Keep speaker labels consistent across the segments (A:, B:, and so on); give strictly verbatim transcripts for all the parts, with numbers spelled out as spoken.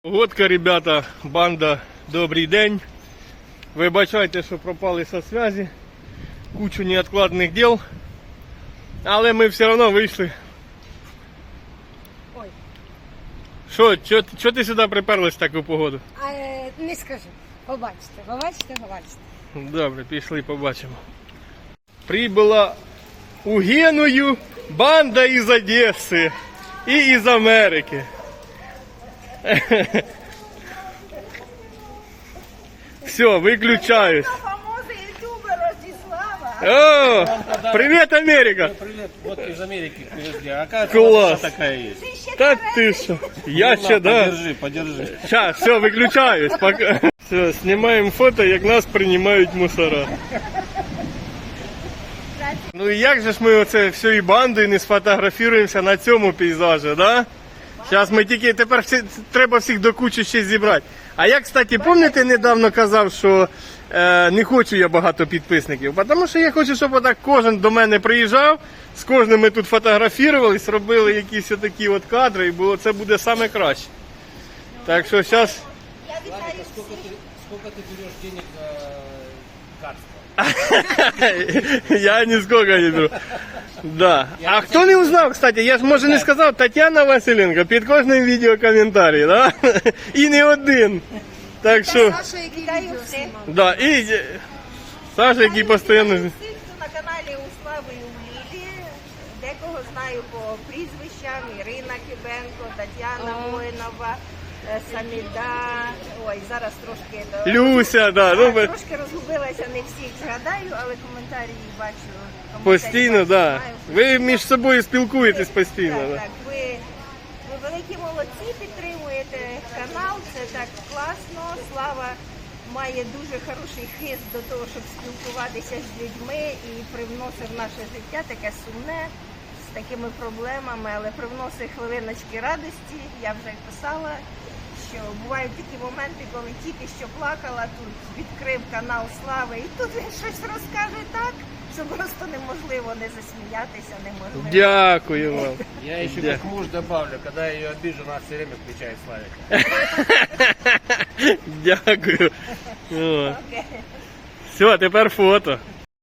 A: Погодка, ребята, банда, добрий день. Вибачайте, що пропали со зв'язі. Кучу невідкладних діл. Але ми все одно вийшли.
B: Ой.
A: Що, що ти сюди приперлась в таку погоду?
B: А, е, не скажу. Побачите, побачите, побачите.
A: Добре, пішли, побачимо. Прибула у Геную банда із Одеси і із Америки. Все, выключаюсь.
B: Фамозний ютубер Ростислава.
A: О, привет, Америка.
C: Привет, вот из Америки привезли. А оказывается,
A: Класс.
C: вот такая есть.
A: Да ты что? Я
C: Ну,
A: ще,
C: на,
A: да.
C: Подержи, подержи.
A: Сейчас, все, выключаюсь. Пока. Все, снимаем фото, як нас приймають мусора. Ну і як же ж ми оце всією бандою не сфотографуємося на цьому пейзажі, да? Зараз ми тільки, тепер всі, треба всіх до кучі ще зібрати. А я, кстати, пам'ятаєте, недавно казав, що е, не хочу я багато підписників, тому що я хочу, щоб отак кожен до мене приїжджав, з кожним ми тут фотографувались, робили якісь такі от кадри, і було, це буде саме краще. Так що зараз...
C: Владика, сколько ты, сколько ты берешь денег за кадство?
A: Я нисколько не беру. Да. А хто не узнав, кстати, я ж може не сказав, Тетяна Василенко, під кожним відео коментарі, да? І не один. Так що,
B: Саша, який відео знімав.
A: да, і е, Саша, який постійно...
D: На каналі у Слави і у Лілі. Декого знаю по прізвищам. Ірина Кибенко, Тетяна Воїнова, е, Саміда. Ой, зараз трошки до-
A: Люся, да, ну,
D: Так, трошки розгубилася, не всіх згадаю, але коментарі бачу. коментарі
A: постійно,
D: бачу,
A: да.
D: знаю.
A: Ви між собою спілкуєтесь постійно,
D: Так,
A: да.
D: так, ви, ви великі молодці, підтримуєте канал, це так класно. Слава має дуже хороший хист до того, щоб спілкуватися з людьми і привносив в наше життя таке сумне, з такими проблемами, але привносить хвилиночки радості. Я вже писала, що бувають такі моменти, коли тільки що плакала, тут відкрив канал Слави, і тут він щось розкаже так, що просто неможливо не засміятися, неможливо.
A: Дякую вам.
C: Я еще
A: Да.
C: как муж добавлю, когда я ее обижу, она все время включает Славик.
A: Дякую. О. Все, тепер фото.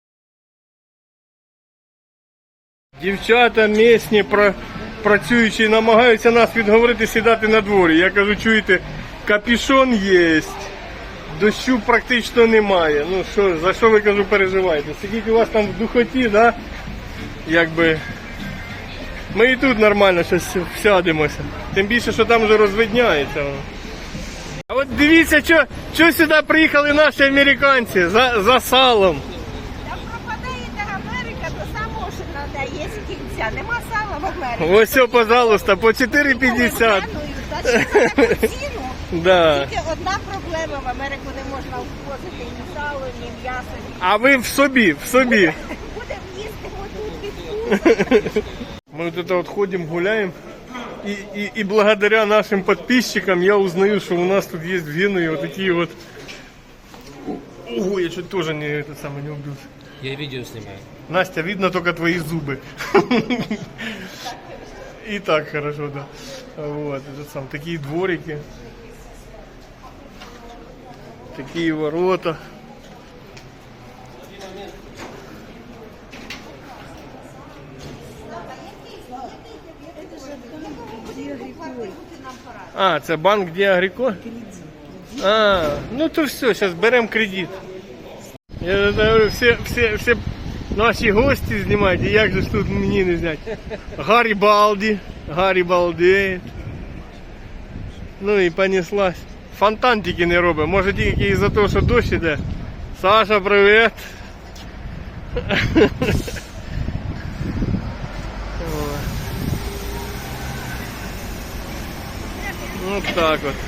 A: Дівчата місні, про, працюючі, намагаються нас відговорити сідати на дворі. Я кажу, чуєте, капюшон є, дощу практично немає. Ну що, за що ви, кажу, переживаєте? Сидіть у вас там в духоті, да? Якби... Ми і тут нормально щось всядемося. Тим більше, що там вже розвидняється. А от дивіться, що, що сюди приїхали наші американці за, за салом.
D: Та пропадає та Америка до самого, що треба є з кінця. Нема сала в Америці.
A: Ось все, пожалуйста, по чотири п'ятдесят.
D: Та ще за таку ціну.
A: Да.
D: Тільки одна проблема, в Америку не можна ввозити ні сало, ні м'ясо, ні.
A: А ви в собі, в собі.
D: Будемо їсти отут від кури.
A: Мы вот это вот ходим, гуляем, и, и, и благодаря нашим подписчикам я узнаю, что у нас тут есть в Генуе вот такие вот... Ого, я чуть тоже не, это самое, не убился.
C: Я видео снимаю.
A: Настя, видно только твои зубы. И так хорошо, да. Вот, это сам, такие дворики. Такие ворота. А, це банк Де Агріко? А, ну то все, зараз беремо кредит. Я говорю, всі, всі, всі наші гості знімають, і як же ж тут мені не зняти? Гаррі Балді, Гаррі Балди. Ну і понеслась. Фонтан тільки не робить, може тільки із-за того, що дощ іде. Саша, привіт. Ось так от.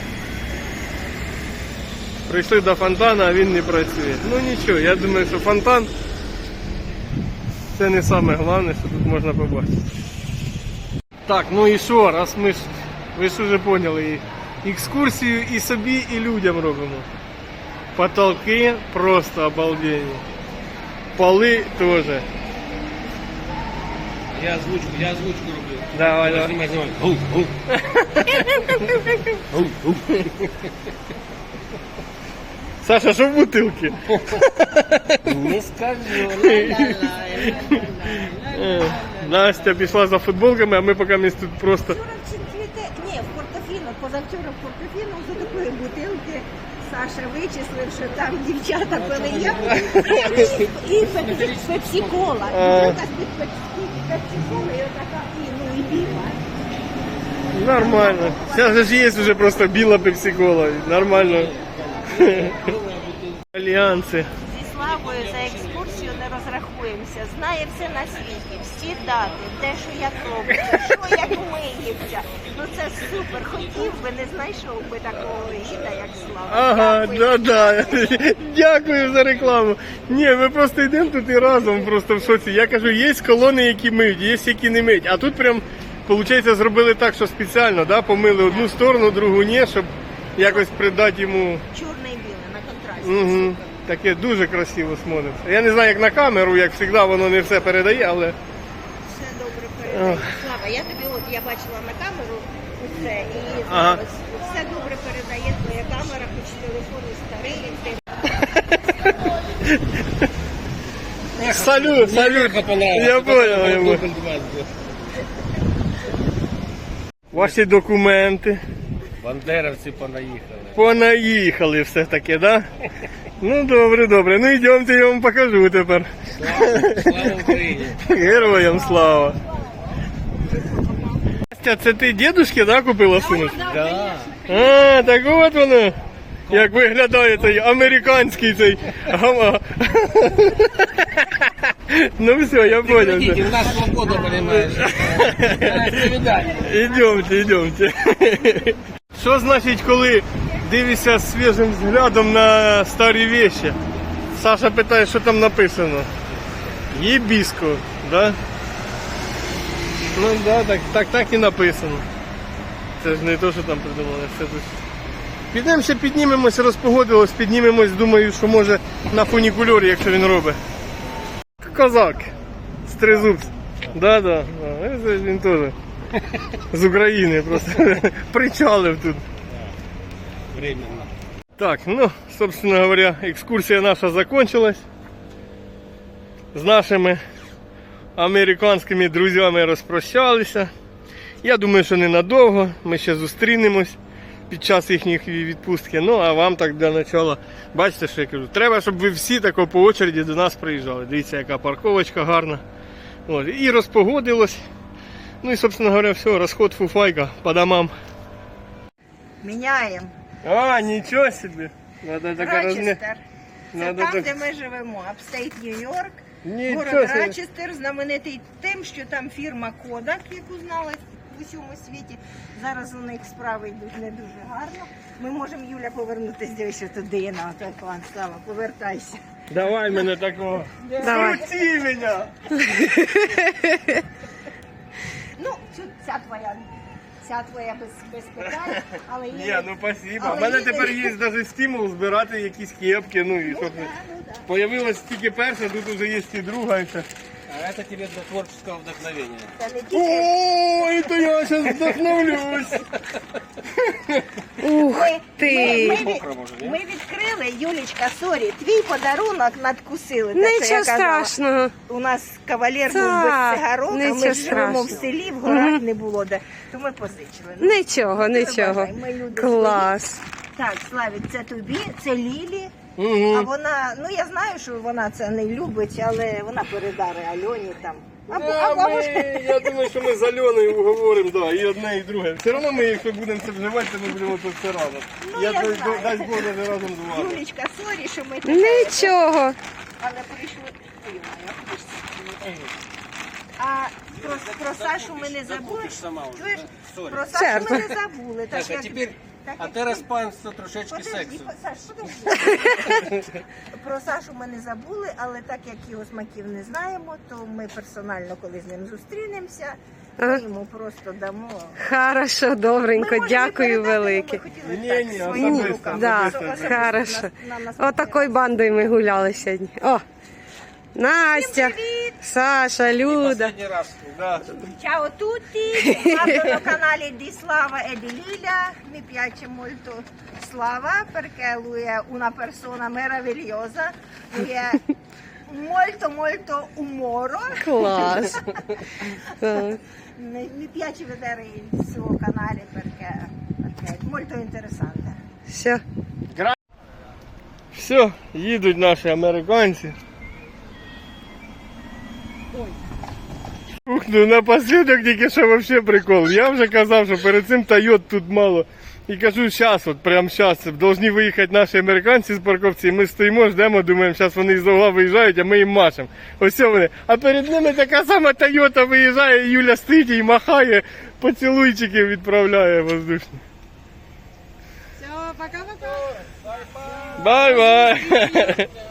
A: Прийшли до фонтана, а він не працює. Ну нічого, я думаю, що фонтан це не саме головне, що тут можна побачити. Так, ну і що, раз ми ж, ви ж вже поняли, і екскурсію і собі, і людям робимо. Потолки просто обалденні. Поли теж.
C: Я озвучку, я озвучку роблю.
A: Давай, давай.
C: Знімай, знімай. Гу, гу. Гу, гу.
A: Саша, що в бутилці?
C: Не скажу.
A: Е, Настя пішла за футболками, а ми поки ми тут просто.
D: Вчора чи цвіте, ні, в Портофіно, позавчора в Портофіно за такої бутилки Саша вичислив, що там дівчата пили я і пепсі-кола. Бутилка з-під пепсі-коли, і отака, і, ну і біла.
A: Нормально. Зараз ж є вже просто біла пепсі-кола. Нормально. Альянси.
D: Зі Славою за екскурсію не розрахуємося. Знає все на світі, всі дати, де що як робиться, що як миється. Ну це супер. Хотів би, не знайшов би такого гіда, як Слава.
A: Ага,
D: Дякую.
A: да-да. Дякую за рекламу. Ні, ми просто йдемо тут і разом просто в шоці. Я кажу, є колони, які миють, є які не миють. А тут прям, виходить, зробили так, що спеціально, да, помили одну сторону, другу ні, щоб якось придати йому.
D: Чорне і біле на контрасті.
A: Угу.
D: Супер.
A: Таке дуже красиво смотриться. Я не знаю, як на камеру, як завжди, воно не все передає, але.
D: Все добре передає. Слава, я тобі от я бачила на камеру усе і
A: Ага.
D: ось все добре передає твоя камера, хоч телефон і старий. Ти
A: Салют, салют. Я понял, я понял. Ваші документи.
C: Бандеровці понаїхали.
A: Понаїхали все таки, да? Ну добре, добре. Ну йдемте, я вам покажу тепер.
C: Слава, слава Україні.
A: Героям слава. Настя, це ти дідушки, да, купила сумочку?
C: Да.
A: А, так от воно. Як виглядає цей американський цей гама. Ну все, я понял.
C: Видите, у нас свобода, понимаешь. Свидание.
A: Ідемте, ідемте. Що значить, коли дивишся свіжим взглядом на старі вещи? Саша питає, що там написано. Єбіско, да? Ну да, так, так, так і написано. Це ж не те, що там придумали, це тут. Підемо ще піднімемось, розпогодилось, піднімемось, думаю, що може на фунікульорі, якщо він робить. Козак. З тризубцем. Да, да. да. Це ж він теж. З України просто. Причалив тут.
C: Временно.
A: Так, ну, собственно говоря, экскурсия наша закончилась. З нашими американськими друзями розпрощалися. Я думаю, що ненадовго. Ми ще зустрінемось під час їхньої відпустки. Ну, а вам так для начала, бачите, що я кажу, треба, щоб ви всі тако по очереді до нас приїжджали. Дивіться, яка парковочка гарна. От, і розпогодилось. Ну і, собственно говоря, все, розход фуфайка по домам.
D: міняємо.
A: А, нічого собі. Надо така розмі...
D: Рочестер. Це
A: Надо
D: там,
A: так-
D: де ми живемо. Апстейт Нью-Йорк.
A: Нічого
D: Город
A: собі.
D: Рочестер знаменитий тим, що там фірма Kodak, яку знали в усьому світі. Зараз у них справи йдуть не дуже гарно. Ми можемо, Юля, повернутися, дивися туди на той план. Слава, повертайся.
A: Давай мене такого.
B: Давай.
A: Крути мене!
D: Ну, цю- ця твоя, ця твоя без, без питань, але є...
A: Ні, ну спасибо. У
D: Але
A: мене
D: є-
A: тепер є навіть стимул збирати якісь кепки. Ну і
D: Ну,
A: щоб
D: да, ну, да.
A: появилась тільки перша, тут вже є і друга. І все.
C: А это тебе для творческого вдохновения.
D: Це не тільки...
A: Ой, то я зараз вдохновлюсь.
B: Ух
D: Ми,
B: ти!
D: ми,
C: Мокро, може, ні?
D: ми відкрили, Юлічка, сорі, твій подарунок надкусили. Те, що
B: Нічого
D: я казала.
B: страшного.
D: У нас кавалер був
B: Так,
D: без цигарок, а ми
B: нічого
D: ж живемо в
B: страшного.
D: селі, в горах не було де. То ми позичили. Ну,
B: Нічого, нічого.
D: бажай, ми люди
B: Клас.
D: так, Славік, це тобі, це Лілі. А
A: Угу.
D: вона, ну я знаю, що вона це не любить, але вона передаре Альоні там. Або,
A: Да,
D: або, або ж-
A: ми, я думаю, що ми з Альоною уговоримо, да, і одне, і друге. Все одно ми, якщо будемо це вживати, то ми будемо тут все разом.
D: Ну,
A: я
D: я
A: дай-
D: знаю.
A: дасть Бог даже разом з вами.
D: Юлічка, сорі, що ми тебе-
B: Нічого.
D: але прийшли. Ой, моя, хоч це. А про, про Сашу ми не забули.
C: Закупиш сама уже,
D: Чуєш?
C: да? Сорі.
D: Про Сашу
B: Черт.
D: ми не забули.
C: Так, а
D: як-
C: теперь,
D: так
C: а
D: як
C: ти
D: ти-
C: розпанство трошечки
D: Подожди,
C: сексу.
D: по- Саш, подожди. Про Сашу ми не забули, але так як його смаків не знаємо, то ми персонально, коли з ним зустрінемося, ми
B: Ага.
D: йому просто дамо.
B: Хорошо, добренько,
D: Ми можемо
B: дякую
D: передати,
B: велике.
D: ми хотіли
A: Ні,
D: так,
A: ні,
D: своїми
A: особисто,
D: руками.
A: особисто.
D: Особисто
B: Хорошо.
D: на- на наступний
B: Отакою бандою ми гуляли сьогодні. О, Настя, Саша, Люда.
C: Последний раз.
A: Да.
D: Ciao a tutti, guardo canale di Slava e di Lilia, mi piace molto Slava perché lui è una persona meravigliosa, lui è molto molto umoro,
B: Клас. Так.
D: mi, mi piace vedere il suo canale perché, perché è molto interessante.
B: Все.
A: Все, їдуть наші американці. Ух, ну напоследок тільки що вообще прикол. Я вже казав, що перед цим Тойот тут мало. І кажу, зараз, от прямо зараз, повинні виїхати наші американці з парковці. І ми стоїмо, ждемо, думаємо, зараз вони з угла виїжджають, а ми їм машемо. Ось вони. А перед ними така сама Тойота виїжджає, і Юля стоїть і махає, поцілуйчики відправляє воздушні.
B: Все, пока-пока.
A: Бай-бай!